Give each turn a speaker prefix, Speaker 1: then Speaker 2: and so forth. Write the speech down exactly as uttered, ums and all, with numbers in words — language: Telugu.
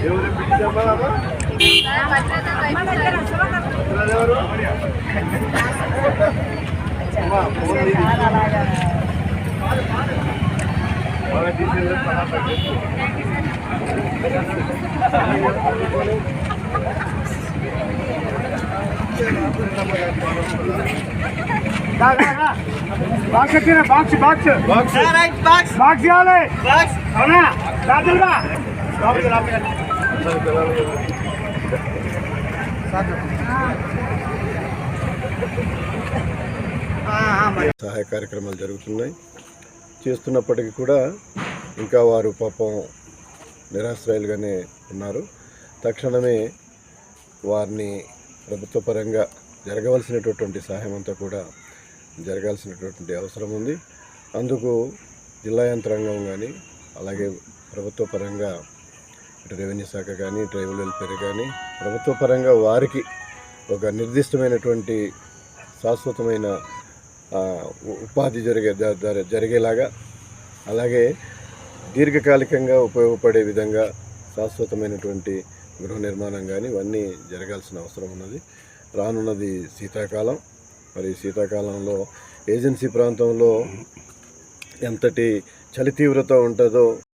Speaker 1: బాక్స్ వచ్చిన box box box right box box ఇవ్వాలి బాక్స్ అవునా రాజులుగా
Speaker 2: సహాయ కార్యక్రమాలు జరుగుతున్నాయి. చేస్తున్నప్పటికీ కూడా ఇంకా వారు పాపం నిరాశ్రయాలుగానే ఉన్నారు. తక్షణమే వారిని ప్రభుత్వ పరంగా జరగవలసినటువంటి సహాయం అంతా కూడా జరగాల్సినటువంటి అవసరం ఉంది. అందుకు జిల్లా యంత్రాంగం కానీ అలాగే ప్రభుత్వ పరంగా ఇటు రెవెన్యూ శాఖ కానీ ట్రైబల్ వెల్ఫేర్ కానీ ప్రభుత్వ పరంగా వారికి ఒక నిర్దిష్టమైనటువంటి శాశ్వతమైన ఉపాధి జరిగే జరిగేలాగా అలాగే దీర్ఘకాలికంగా ఉపయోగపడే విధంగా శాశ్వతమైనటువంటి గృహ నిర్మాణం కానీ ఇవన్నీ జరగాల్సిన అవసరం ఉన్నది. రానున్నది శీతాకాలం. మరి శీతాకాలంలో ఏజెన్సీ ప్రాంతంలో ఎంతటి చలి తీవ్రత ఉంటుందో